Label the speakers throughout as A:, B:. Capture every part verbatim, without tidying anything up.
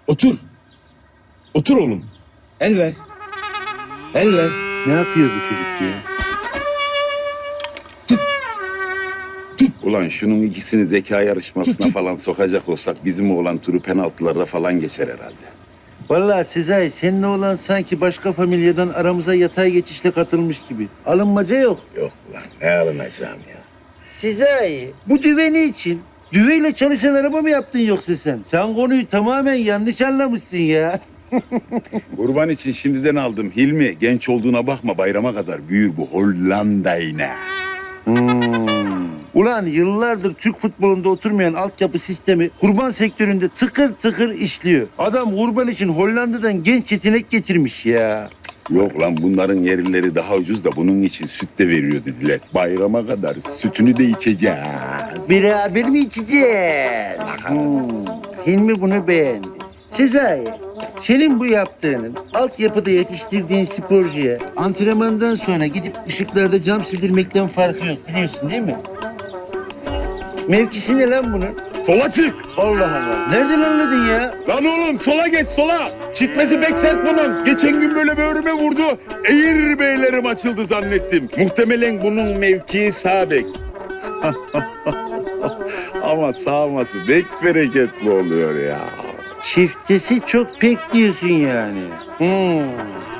A: Otur. Otur oğlum. El ver. El ver.
B: Ne yapıyor bu çocuk ya?
C: Ulan şunun ikisini zeka yarışmasına
A: Tut, tut.
C: falan sokacak olsak bizim oğlan turu penaltılarda falan geçer herhalde.
B: Vallahi Sezai, seninle olan sanki başka familyadan aramıza yatay geçişle katılmış gibi. Alınmaca yok.
C: Yok lan ne alınacağım ya.
B: Sezai, bu düveni için düveyle çalışan araba mı yaptın yoksa sen? Sen konuyu tamamen yanlış anlamışsın ya.
C: Kurban için şimdiden aldım Hilmi. Genç olduğuna bakma bayrama kadar büyür bu Hollanda yine.
B: Hmm. Ulan yıllardır Türk futbolunda oturmayan altyapı sistemi kurban sektöründe tıkır tıkır işliyor. Adam kurban için Hollanda'dan genç yetenek getirmiş ya.
C: Yok lan bunların yerlileri daha ucuz da bunun için süt de veriyor dediler. Bayrama kadar sütünü de içeceğiz.
B: Beraber mi içeceğiz? Hmm. Hilmi bunu beğendi. Sezai, senin bu yaptığının altyapıda yetiştirdiğin sporcuya antrenmandan sonra gidip ışıklarda cam sildirmekten farkı yok biliyorsun değil mi? Mevkisi ne lan bunun?
C: Sola çık.
B: Allah Allah. Nereden anladın ya?
C: Lan oğlum sola geç sola. Çitmesi pek sert bunun. Geçen gün böyle böğrüme vurdu. Eğir beylerim açıldı zannettim. Muhtemelen bunun mevkii sağ bek. Ama sağması bek bereketli oluyor ya.
B: Çiftesi çok pek diyorsun yani. Hmm.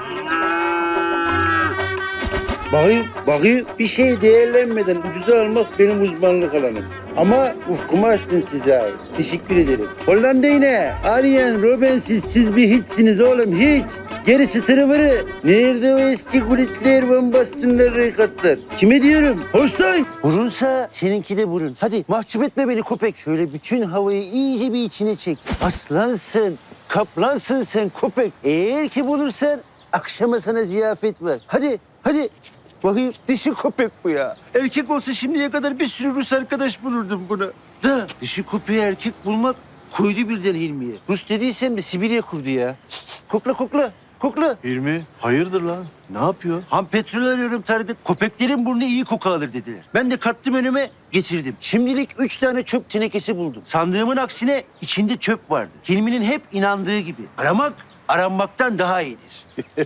B: Bakayım, bakayım. Bir şey değerlenmeden ucuza almak benim uzmanlık alanım. Ama ufkumu açtın size ait. Teşekkür ederim. Hollanda yine. Arjen Robbensiz siz bir hiçsiniz oğlum hiç. Gerisi tırıvırı. Nerede o eski kulitler, bombastınlar, rekatlar? Kime diyorum? Hoştay. Burunsa seninki de burun. Hadi mahcup etme beni köpek. Şöyle bütün havayı iyice bir içine çek. Aslansın, kaplansın sen köpek. Eğer ki bulursan akşama sana ziyafet var. Hadi, hadi. Bakayım dişi köpek bu ya. Erkek olsa şimdiye kadar bir sürü Rus arkadaş bulurdum buna. Da dişi köpeği erkek bulmak koydu birden Hilmi'ye. Rus dediysem de Sibirya kurdu ya. Kokla kokla. Kokla.
D: Hilmi, hayırdır lan? Ne yapıyor?
B: Ham petrol arıyorum Target. Köpeklerin burnu iyi koku alır dediler. Ben de kattım önüme getirdim. Şimdilik üç tane çöp tenekesi buldum. Sandığımın aksine içinde çöp vardı. Hilmi'nin hep inandığı gibi. Aramak aranmaktan daha iyidir.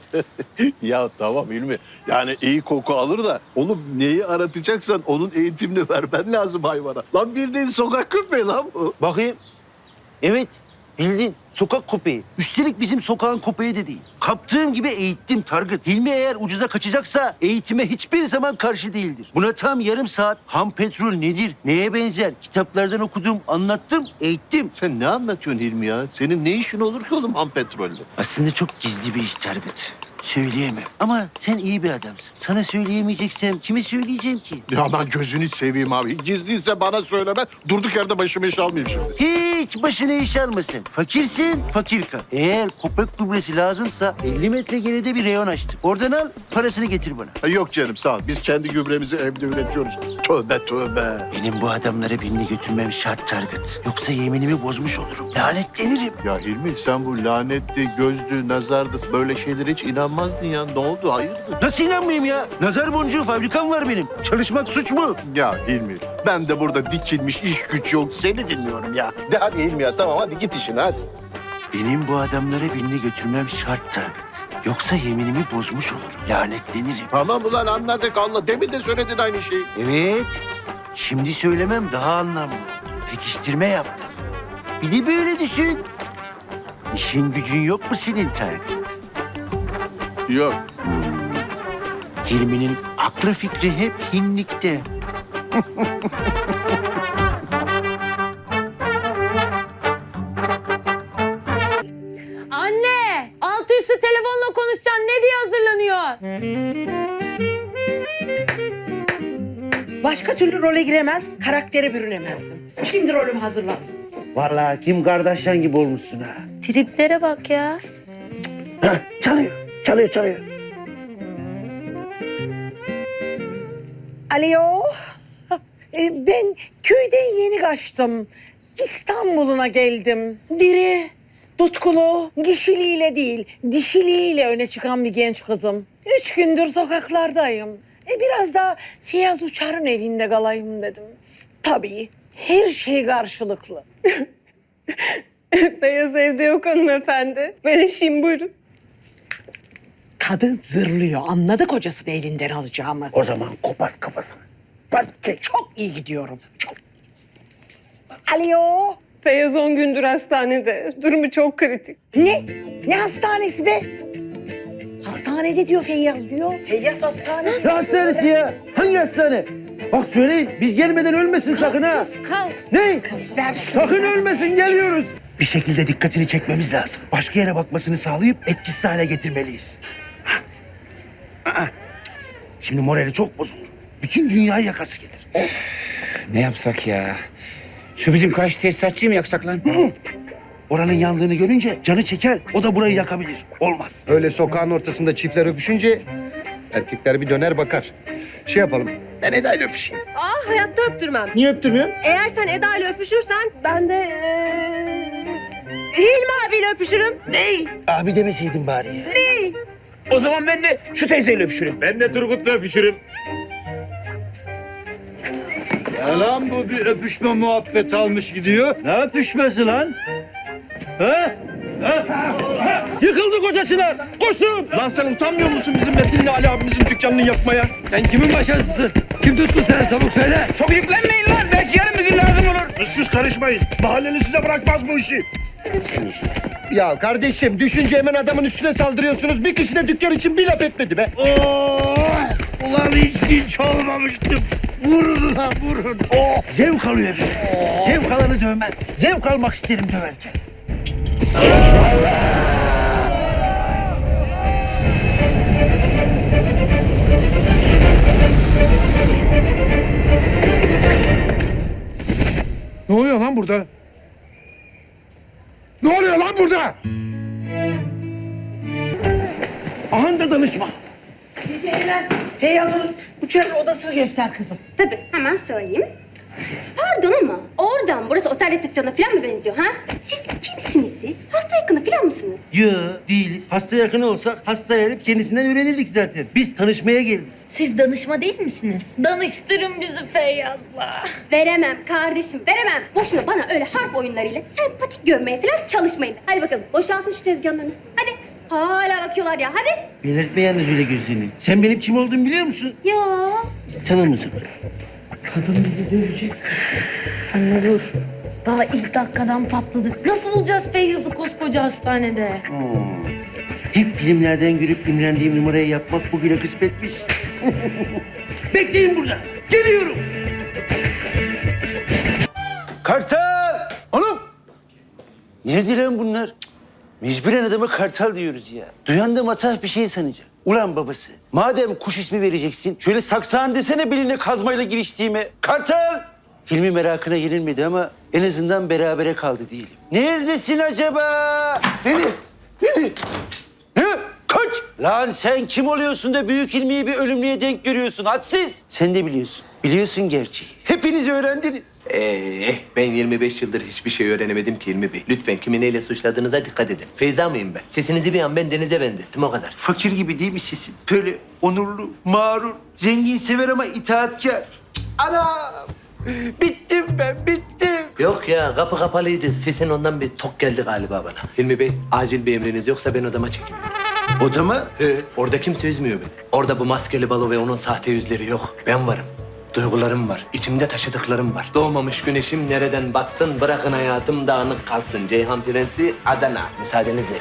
D: Ya tamam Hilmi. Yani iyi koku alır da oğlum neyi aratacaksan onun eğitimini vermen lazım hayvana. Lan bildiğin sokak köpeği lan bu.
B: Bakayım. Evet, bildin. Sokak köpeği. Üstelik bizim sokağın köpeği de değil. Kaptığım gibi eğittim Target. Hilmi eğer ucuza kaçacaksa eğitime hiçbir zaman karşı değildir. Buna tam yarım saat ham petrol nedir, neye benzer kitaplardan okudum, anlattım, eğittim.
D: Sen ne anlatıyorsun Hilmi ya? Senin ne işin olur ki oğlum ham petrolle?
B: Aslında çok gizli bir iş Target. Söyleyemem. Ama sen iyi bir adamsın. Sana söyleyemeyeceksem kime söyleyeceğim ki?
D: Ya ben gözünü seveyim abi. Gizliyse bana söyleme. Durduk yerde başımı iş almayayım şimdi.
B: Hiç başına iş almasın. Fakirsin, fakir kal. Eğer köpek gübresi lazımsa elli metre geride bir reyon açtım. Oradan al, parasını getir bana.
D: Ha, yok canım sağ ol. Biz kendi gübremizi evde üretiyoruz. Tövbe tövbe.
B: Benim bu adamlara birini götürmem şart Target. Yoksa yeminimi bozmuş olurum. Lanetlenirim.
D: Ya Hilmi sen bu lanetli, gözlü, nazardı böyle şeylere hiç inanmazdın ya. Ne oldu? Hayırdır?
B: Nasıl inanmayayım ya? Nazar boncuğu fabrikam var benim. Çalışmak suç mu?
D: Ya Hilmi ben de burada dikilmiş iş güç yok. Seni dinliyorum ya. De hadi Hilmi ya tamam hadi git işine hadi.
B: Benim bu adamlara birini götürmem şart Target. Yoksa yeminimi bozmuş olurum. Lanetlenirim.
D: Tamam ulan anladık Allah. Demin de söyledin aynı şeyi.
B: Evet. Şimdi söylemem daha anlamlı. Pekiştirme yaptım. Bir de böyle düşün. İşin gücün yok mu senin Target?
D: Yok.
B: Hilmi'nin aklı fikri hep hinlikte.
E: Anne! Altı üstü telefonla konuşacaksın. Ne diye hazırlanıyor?
F: Başka türlü role giremez, karaktere bürünemezdim. Şimdi rolümü hazırladım.
B: Vallahi kim kardeşen gibi olmuşsun ha.
E: Triplere bak ya.
B: Hah, çalıyor, çalıyor, çalıyor.
F: Alo. E, Ben köyden yeni kaçtım. İstanbul'una geldim. Diri, tutkulu, kişiliğiyle değil, dişiliğiyle öne çıkan bir genç kızım. Üç gündür sokaklardayım. E, biraz da Feyyaz Uçar'ın evinde kalayım dedim. Tabii her şey karşılıklı.
G: Feyyaz evde yok hanımefendi. Ben eşiyim, buyurun.
F: Kadın zırlıyor. Anladı kocasını elinden alacağımı.
B: O zaman kopart kafasını. Part çek.
F: Çok iyi gidiyorum. Çok. Alo.
G: Feyyaz on gündür hastanede. Durumu çok kritik.
F: Ne? Ne hastanesi be? Hastanede diyor Feyyaz diyor. Feyyaz hastanesi.
B: Ne hastanesi ya? Hangi hastane? Bak söyleyin biz gelmeden ölmesin sakın ha.
E: Kalk.
B: Ne?
F: Kız ver şunu.
B: Sakın ölmesin geliyoruz. Bir şekilde dikkatini çekmemiz lazım. Başka yere bakmasını sağlayıp etkisiz hale getirmeliyiz. Ha. Aa. Şimdi morali çok bozulur. Bütün dünyayı yakası gelir.
H: Ne yapsak ya? Şu bizim karşı tesisatçıyı mı yaksak lan?
B: Oranın yandığını görünce canı çeker. O da burayı yakabilir. Olmaz.
I: Öyle sokağın ortasında çiftler öpüşünce erkekler bir döner bakar. Şey yapalım. Ben Eda'yla öpüşeyim.
G: Aa, hayatta öptürmem.
I: Niye öptürmüyorsun?
G: Eğer sen Eda ile öpüşürsen ben de ee, Hilmi abiyle öpüşürüm.
H: Ney?
B: Abi demeseydin bari ya.
H: O zaman ben de şu teyzeyle öpüşürüm.
C: Ben de Turgut'la öpüşürüm.
J: Ya lan bu bir öpüşme muhabbet almış gidiyor. Ne öpüşmesi lan? Ha? Ha? Yıkıldı koca Çınar. Koşun. Lan sen utanmıyor musun bizim Metin'le Ali abimizin dükkanını yapmaya?
H: Sen kimin başarısısın? Kim tuttu seni? Çabuk söyle. Çok yüklenmeyin lan. Belki yarın bir gün lazım olur.
C: Pıs pıs karışmayın. Mahalleli size bırakmaz bu işi.
I: Ya kardeşim düşünce hemen adamın üstüne saldırıyorsunuz. Bir kişi de dükkan için bir laf etmedi be.
B: Ulan hiç dinç olmamıştım. Vurun lan vurun. Oh. Zevk alıyor bir. Zevk alanı dövmez. Zevk almak isterim döverken.
C: Ne oluyor lan burada? Ne oluyor lan burada?
B: Aha da danışma.
F: Bize hemen Feyyaz'ın uçak odasını göster kızım.
K: Tabii, hemen söyleyeyim. Pardon ama oradan burası otel resepsiyonuna falan mı benziyor ha? Siz kimsiniz siz? Hasta yakını falan mısınız?
B: Yo değiliz. Hasta yakını olsak hastaya gelip kendisinden öğrenirdik zaten. Biz tanışmaya geldik.
E: Siz danışma değil misiniz? Danıştırın bizi Feyyaz'la.
K: Veremem kardeşim, veremem. Boşuna bana öyle harf oyunlarıyla sempatik görmeye falan çalışmayın. Hadi bakalım, boşaltın şu tezgahın önünü. Hadi. Hala bakıyorlar ya, hadi.
B: Belirtme yalnız öyle gözlerini. Sen benim kim olduğumu biliyor musun?
K: Ya.
B: Tamam o zaman.
F: Kadın bizi dövecekti.
E: Anne dur. Daha ilk dakikadan patladık. Nasıl bulacağız Feyyaz'ı koskoca hastanede?
B: Hep filmlerden görüp imrendiğim numarayı yapmak bugüne kısmetmiş. Bekleyin burada. Geliyorum. Kartal! Oğlum! Nerede lan bunlar? Cık, mecburen adama kartal diyoruz ya. Duyan da matah bir şey sanacak. Ulan babası, madem kuş ismi vereceksin, şöyle saksağın desene beline kazmayla giriştiğime. Kartal! Hilmi merakına yenilmedi ama en azından berabere kaldı diyelim. Neredesin acaba? Deniz! Deniz! Ne? Kaç! Lan sen kim oluyorsun da Büyük Hilmi'yi bir ölümlüye denk görüyorsun hadsiz? Sen de biliyorsun. Biliyorsun gerçeği. Hepiniz öğrendiniz.
L: Ee, ben yirmi beş yıldır hiçbir şey öğrenemedim ki Hilmi Bey. Lütfen kimi neyle suçladığınıza dikkat edin. Feyza mıyım ben? Sesinizi bir an ben Deniz'e benzettim o kadar.
B: Fakir gibi değil mi sesin? Böyle onurlu, mağrur, zengin sever ama itaatkar. Cık, Anam! Bittim ben, bittim.
L: Yok ya kapı kapalıydı. Sesin ondan bir tok geldi galiba bana. Hilmi Bey acil bir emriniz yoksa ben odama çekiliyorum.
B: Odama?
L: He, orada kimse üzmüyor beni. Orada bu maskeli balo ve onun sahte yüzleri yok. Ben varım. Duygularım var. İçimde taşıdıklarım var. Doğmamış güneşim nereden batsın, bırakın hayatım dağınık kalsın. Ceyhan Prensi Adana. Müsaadenizle.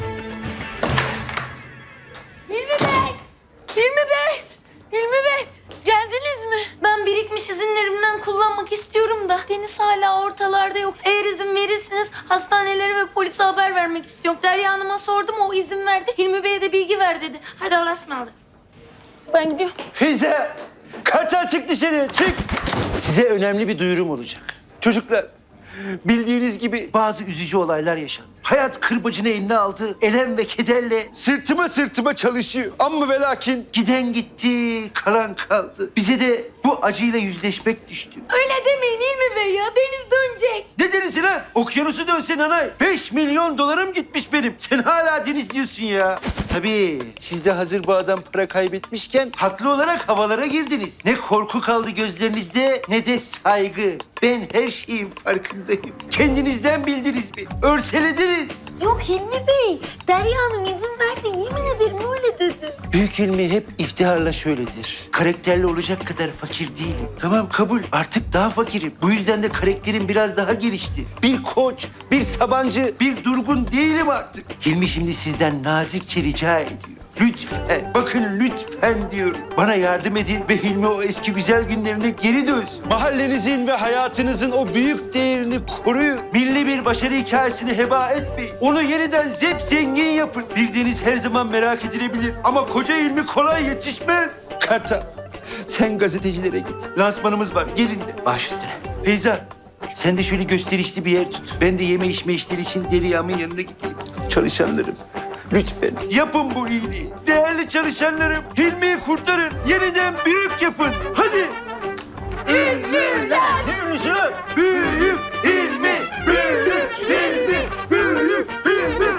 E: Hilmi Bey! Hilmi Bey! Hilmi Bey! Geldiniz mi? Ben birikmiş izinlerimden kullanmak istiyorum da Deniz hala ortalarda yok. Eğer izin verirseniz hastanelere ve polise haber vermek istiyorum. Derya Hanım'a sordum, o izin verdi. Hilmi Bey'e de bilgi ver dedi. Hadi Allah'a ısmarladık. Ben gidiyorum.
B: Feyze! Kartal çık dışarı, çık! Size önemli bir duyurum olacak. Çocuklar, bildiğiniz gibi bazı üzücü olaylar yaşandı. Hayat kırbacını eline aldı, elem ve kederle sırtıma sırtıma çalışıyor. Amma ve lakin giden gitti, kalan kaldı. Bize de bu acıyla yüzleşmek düştü.
E: Öyle demeyin Hilmi Bey ya. Deniz dönecek.
B: Ne denizi lan? Okyanusu dönsen anay. Beş milyon dolarım gitmiş benim. Sen hala deniz diyorsun ya. Tabii siz de hazır bu adam para kaybetmişken haklı olarak havalara girdiniz. Ne korku kaldı gözlerinizde ne de saygı. Ben her şeyin farkındayım. Kendinizden bildiniz mi? Örselediniz.
E: Yok Hilmi Bey. Derya Hanım izin verdi. Yemin ederim öyle dedi.
B: Büyük ilmi hep iftiharla şöyledir. Karakterli olacak kadar fakir değilim. Tamam kabul. Artık daha fakirim. Bu yüzden de karakterim biraz daha gelişti. Bir koç, bir Sabancı, bir Durgun değilim artık. Hilmi şimdi sizden nazikçe rica ediyor. Lütfen, bakın lütfen diyorum. Bana yardım edin ve Hilmi o eski güzel günlerine geri dönsün. Mahallenizin ve hayatınızın o büyük değerini koruyun. Milli bir başarı hikayesini heba etmeyin. Onu yeniden zep zengin yapın. Bildiğiniz her zaman merak edilebilir. Ama koca Hilmi kolay yetişmez. Kartal, sen gazetecilere git. Lansmanımız var, gelin de. Baş üstüne. Feyza, sen de şöyle gösterişli bir yer tut. Ben de yeme içme işleri için Derya'mın yanına gideyim. Çalışanlarım, lütfen yapın bu iyiliği. Değerli çalışanlarım, Hilmi'yi kurtarın. Yeniden büyük yapın. Hadi.
E: Ünlüler.
B: Ne ünlüsü lan? Büyük Hilmi, büyük Hilmi, büyük Hilmi.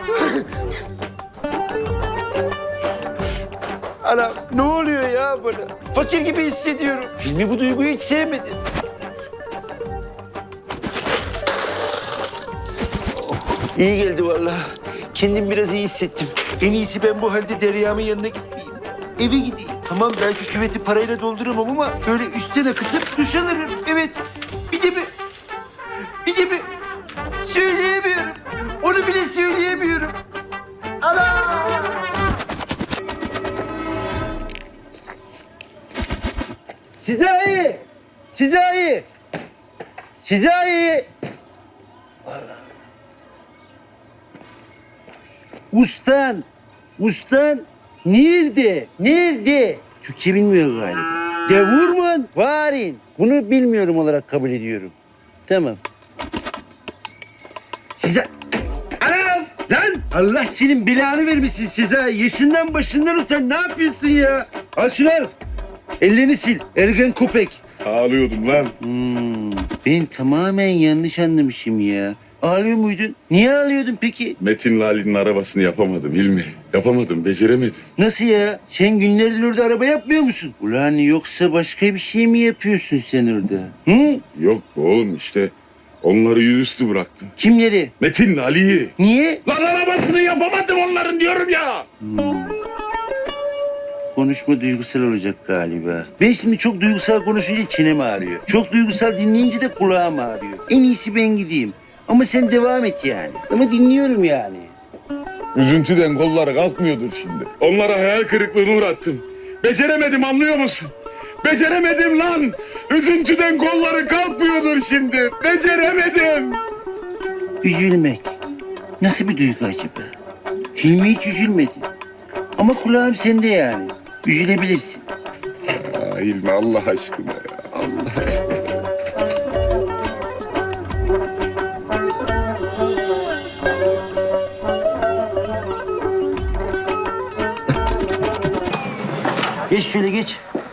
B: Anam ne oluyor ya bana? Fakir gibi hissediyorum. Hilmi bu duyguyu hiç sevmedi. İyi geldi vallahi. Kendim biraz iyi hissettim. En iyisi ben bu halde Derya'mın yanına gitmeyeyim. Eve gideyim. Tamam belki küveti parayla dolduramam ama böyle üstten akıtıp duş alırım. Evet. Bir de bir... Bir de bir... Söyleyemiyorum. Onu bile söyleyemiyorum. Ana! Sizahi! Sizahi! Sizahi! Allah. Ustan, ustan nerede? Nerede? Türkçe bilmiyor galiba. Devurman, varin. Bunu bilmiyorum olarak kabul ediyorum. Tamam. Size... Anam! Lan! Allah senin belanı vermesin size. Yaşından başından utan. Ne yapıyorsun ya? Al şunu al. Ellerini sil. Ergen köpek.
C: Ağlıyordum lan.
B: Hmm, ben tamamen yanlış anlamışım ya. Ağlıyor muydun? Niye ağlıyordun peki?
C: Metin Lali'nin arabasını yapamadım Hilmi. Yapamadım, beceremedim.
B: Nasıl ya? Sen günlerdir orada araba yapmıyor musun? Ulan yoksa başka bir şey mi yapıyorsun sen orada? Hı?
C: Yok oğlum işte onları yüzüstü bıraktım.
B: Kimleri?
C: Metin Lali'yi.
B: Niye?
C: Lan arabasını yapamadım onların diyorum ya.
B: Konuşma duygusal olacak galiba. Ben şimdi çok duygusal konuşunca çenem ağrıyor. Çok duygusal dinleyince de kulağım ağrıyor. En iyisi ben gideyim. Ama sen devam et yani. Ama dinliyorum yani.
C: Üzüntüden kolları kalkmıyordur şimdi. Onlara hayal kırıklığına uğrattım. Beceremedim anlıyor musun? Beceremedim lan. Üzüntüden kolları kalkmıyordur şimdi. Beceremedim.
B: Üzülmek. Nasıl bir duygu acaba? Hilmi hiç üzülmedi. Ama kulağım sende yani. Üzülebilirsin.
C: Aa, Hilmi Allah aşkına ya. Allah aşkına.
B: Geç şöyle geç.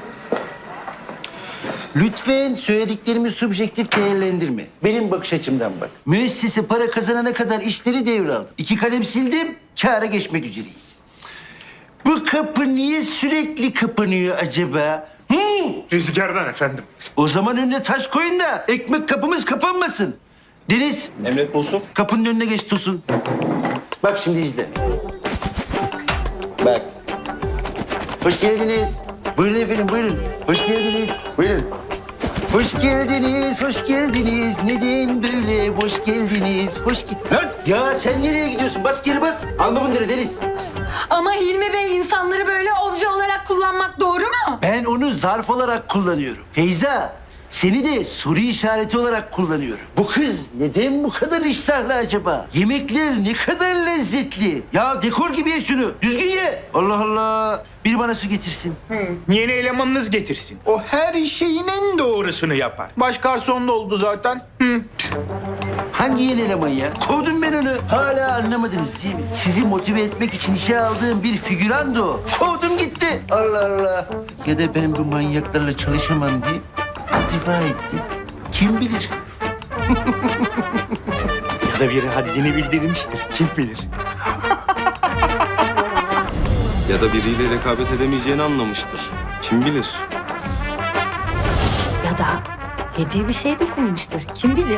B: Lütfen söylediklerimi subjektif değerlendirme. Benim bakış açımdan bak. Müessese para kazanana kadar işleri devraldım. İki kalem sildim, kâra geçmek üzereyiz. Bu kapı niye sürekli kapanıyor acaba? Hı?
J: Rüzgardan efendim.
B: O zaman önüne taş koyun da ekmek kapımız kapanmasın. Deniz.
J: Emret Bosun.
B: Kapının önüne geç Tosun. Bak şimdi izle. Bak. Hoş geldiniz. Buyurun efendim buyurun. Hoş geldiniz. Buyurun. Hoş geldiniz, hoş geldiniz. Neden böyle boş geldiniz? Hoş ge- Lan ya sen nereye gidiyorsun? Bas geri bas. Alma bunları Deniz.
E: Ama Hilmi Bey insanları böyle obje olarak kullanmak doğru mu?
B: Ben onu zarf olarak kullanıyorum. Feyza, seni de soru işareti olarak kullanıyorum. Bu kız neden bu kadar iştahlı acaba? Yemekler ne kadar lezzetli. Ya dekor gibi ye şunu. Düzgün ye. Allah Allah. Biri bana su getirsin.
J: Yeni elemanınız getirsin. O her şeyin en doğrusunu yapar. Baş garson da oldu zaten. Hı.
B: Hangi yeni eleman ya? Kovdum ben onu. Hala anlamadınız değil mi? Sizi motive etmek için işe aldığım bir figürandı o. Kovdum gitti. Allah Allah. Ya da ben bu manyaklarla çalışamam diye istifa etti. Kim bilir?
J: Ya da biri haddini bildirmiştir. Kim bilir?
M: Ya da biriyle rekabet edemeyeceğini anlamıştır. Kim bilir?
E: Ya da hediye bir şey dokunmuştur. Kim bilir?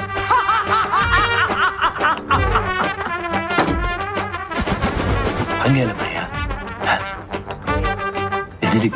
L: Hangi eleman ya? Ha? Ne dedik?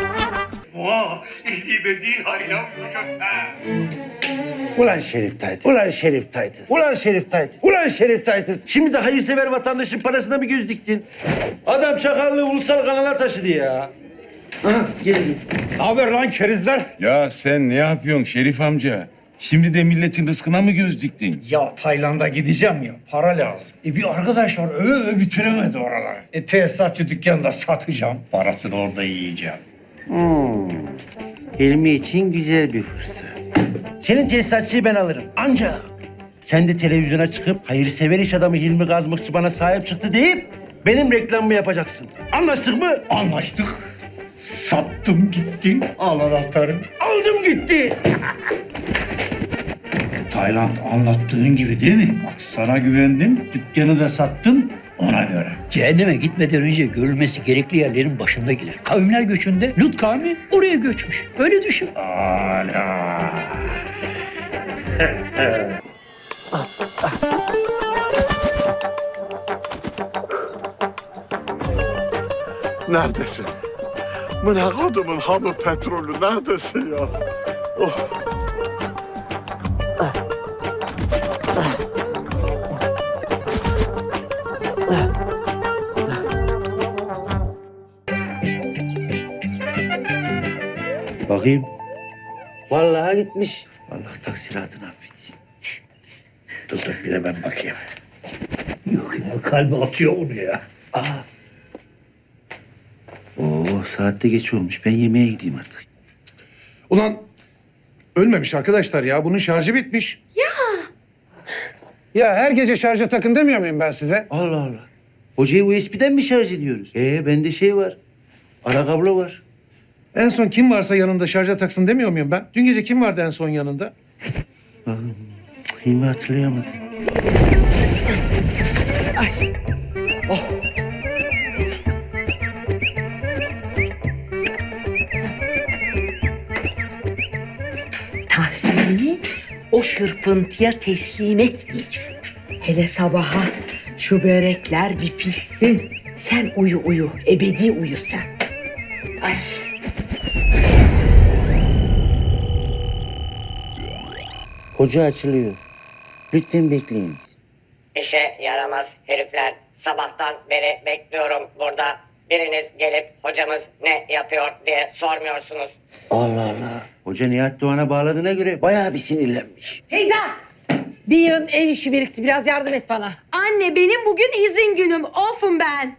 B: Ulan Şerif Taytız. Ulan Şerif Taytız. Ulan Şerif Taytız. Ulan Şerif Taytız. Şimdi de hayırsever vatandaşın parasına mı göz diktin? Adam çakallığı ulusal kanala taşıdı ya. Aha gelin.
J: Ne haber lan kerizler?
C: Ya sen ne yapıyorsun Şerif amca? Şimdi de milletin rızkına mı göz diktin?
J: Ya Tayland'a gideceğim ya. Para lazım. E bir arkadaş var öve öve bitiremedi oraları. E tesisatçı dükkanında satacağım. Parasını orada yiyeceğim.
B: Hmm. Hilmi için güzel bir fırsat. Senin tesisatçıyı ben alırım. Ancak sen de televizyona çıkıp hayırsever iş adamı Hilmi Gazmıkçı bana sahip çıktı deyip benim reklamımı yapacaksın. Anlaştık mı?
J: Anlaştık. Sattım gitti. Al anahtarı.
B: Aldım gitti.
J: Tayland anlattığın gibi değil mi? Bak sana güvendim. Dükkanı da sattım ona göre.
H: Cehenneme gitmeden önce görülmesi gerekli yerlerin başında gelir. Kavimler göçünde Lut kavmi oraya göçmüş. Öyle düşün.
J: Ana.
D: Neredesin? Mına kodumun hamı petrolü neredesin ya? Oh.
B: Bakayım. Vallahi gitmiş. Allah taksiratını affetsin.
J: Dur dur bir de ben bakayım. Yok ya kalbi atıyor onu ya.
B: Aa. Oo saatte geç olmuş. Ben yemeğe gideyim artık.
A: Ulan ölmemiş arkadaşlar ya. Bunun şarjı bitmiş.
E: Ya.
A: Ya her gece şarja takın demiyor muyum ben size?
B: Allah Allah. Hocayı U S B'den mi şarj ediyoruz? Ee bende şey var. Ara kablo var.
A: En son kim varsa yanında şarja taksın demiyor muyum ben? Dün gece kim vardı en son yanında?
B: Bakın. Hilmi hatırlayamadı.
F: Tahsin'i o şırfıntıya teslim etmeyeceğim. Hele sabaha şu börekler bir pişsin. Sen uyu uyu, ebedi uyu sen. Ay.
B: Hoca açılıyor. Lütfen bekleyiniz.
N: İşe yaramaz herifler. Sabahtan beri bekliyorum burada. Biriniz gelip hocamız ne yapıyor diye sormuyorsunuz.
B: Allah Allah. Hoca Nihat Doğan'a bağladığına göre bayağı bir sinirlenmiş.
F: Feyza! Bir yığın ev işi birikti. Biraz yardım et bana.
K: Anne benim bugün izin günüm. Off'um ben.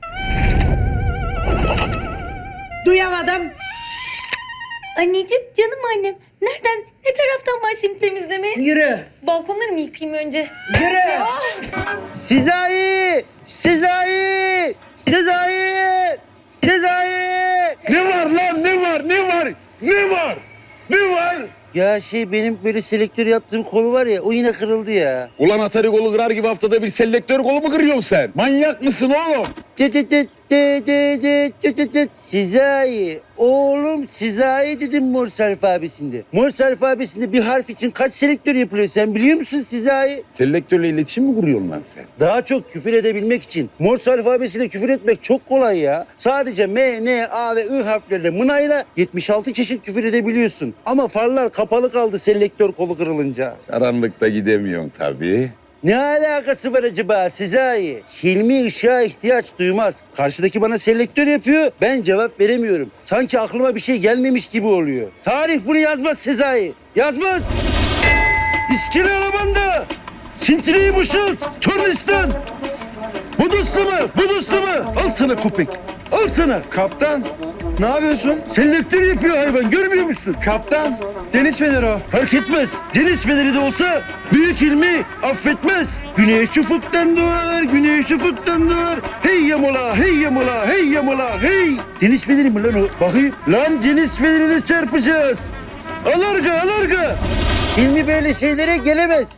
F: Duyamadım.
E: Anneciğim, canım annem. Nereden, ne taraftan başlayayım temizlemeye?
F: Yürü.
E: Balkonları mı yıkayayım önce?
F: Yürü.
B: Sezai! Sezai! Sezai! Sezai!
C: Ne var lan ne var ne var ne var ne var?
B: Ya şey benim böyle selektör yaptığım kolu var ya o yine kırıldı ya.
C: Ulan Atari kolu kırar gibi haftada bir selektör kolu mu kırıyorsun sen? Manyak mısın oğlum?
B: Cıt cıt cıt cıt cıt cıt cıt cıt. Sezai. Oğlum Sezai dedim Morse alfabesinde. Morse alfabesinde bir harf için kaç selektör yapılıyor sen biliyor musun Sezai?
C: Selektörle iletişim mi kuruyorsun lan sen?
B: Daha çok küfür edebilmek için. Morse alfabesiyle küfür etmek çok kolay ya. Sadece M, N, A ve I harflerle mınayla yetmiş altı çeşit küfür edebiliyorsun. Ama farlar kapalı kaldı selektör kolu kırılınca.
C: Karanlıkta gidemiyorsun tabii.
B: Ne alakası var acaba Sezai? Hilmi ışığa ihtiyaç duymaz. Karşıdaki bana selektör yapıyor, ben cevap veremiyorum. Sanki aklıma bir şey gelmemiş gibi oluyor. Tarih bunu yazmaz Sezai. Yazmaz. İskele alabanda. Sintireyi boşalt. Tornistan. Buduslu mu? Buduslu mu? Al sana köpek. Al Al sana. Kaptan. Ne yapıyorsun? Selektör yapıyor hayvan. Görmüyor musun? Kaptan. Deniz feneri o. Fark etmez. Deniz feneri de olsa büyük ilmi affetmez. Güneş ufuktan doğar, güneş ufuktan doğar. Hey yamola, hey yamola, hey yamola, hey. Deniz feneri mi lan o? Bakayım. Lan deniz fenerine çarpacağız. Alarga, alarga. İlmi böyle şeylere gelemez.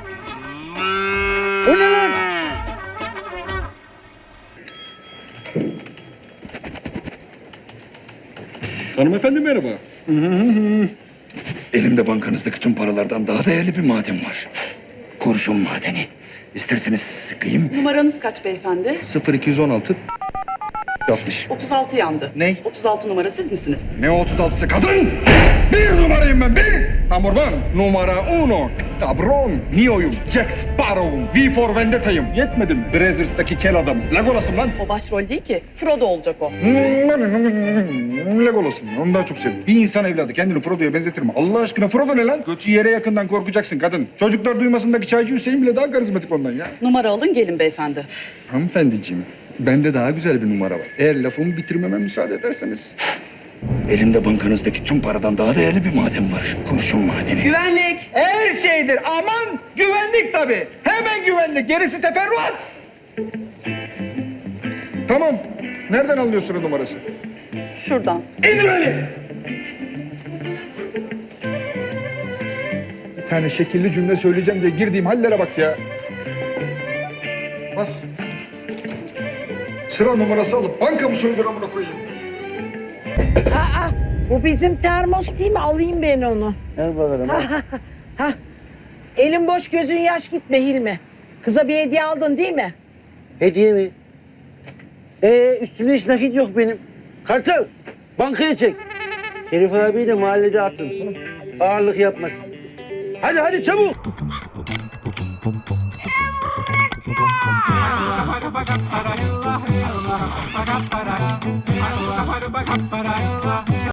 B: O ne lan?
J: Hanımefendi merhaba.
I: Elimde bankanızdaki tüm paralardan daha değerli bir maden var. Kurşun madeni. İsterseniz sıkayım.
G: Numaranız kaç beyefendi?
I: sıfır iki on altı altmış.
G: otuz altı yandı.
I: Ne?
G: otuz altı numara siz misiniz?
I: Ne otuz altısı kadın? Bir numarayım ben, bir. Number one. Numara uno. Cabron. Neo'yum. Jack Sparrow'um. V for Vendetta'yım. Yetmedi mi? Brazzers'taki kel adamım. Legolas'ım lan.
G: O başrol değil ki. Frodo olacak o.
I: Legolas'ım. Onu daha çok seviyorum. Bir insan evladı kendini Frodo'ya benzetir mi? Allah aşkına Frodo ne lan? Götü yere yakından korkacaksın kadın. Çocuklar duymasındaki çaycı Hüseyin bile daha karizmatik ondan ya.
G: Numara alın gelin beyefendi.
I: Hanımefendiciğim, bende daha güzel bir numara var. Eğer lafımı bitirmeme müsaade ederseniz. Elimde bankanızdaki tüm paradan daha değerli bir maden var. Kurşun madeni.
G: Güvenlik.
I: Her şeydir. Aman güvenlik tabii. Hemen güvenlik. Gerisi teferruat. Tamam. Nereden alıyorsun o numarası?
G: Şuradan.
I: İndir beni. Bir tane şekilli cümle söyleyeceğim diye girdiğim hallere bak ya. Bas. Sıra numarası alıp banka mı soyulur amına koyayım?
F: Aa, bu bizim termos değil mi? Alayım ben onu.
B: Gel bakalım.
F: Ha, ha, ha, ha. Elin boş gözün yaş gitme Hilmi. Kıza bir hediye aldın değil mi?
B: Hediye mi? Ee, üstümde hiç nakit yok benim. Kartal, bankaya çek. Şerif abi de mahallede atın. Ağırlık yapmasın. Hadi hadi çabuk.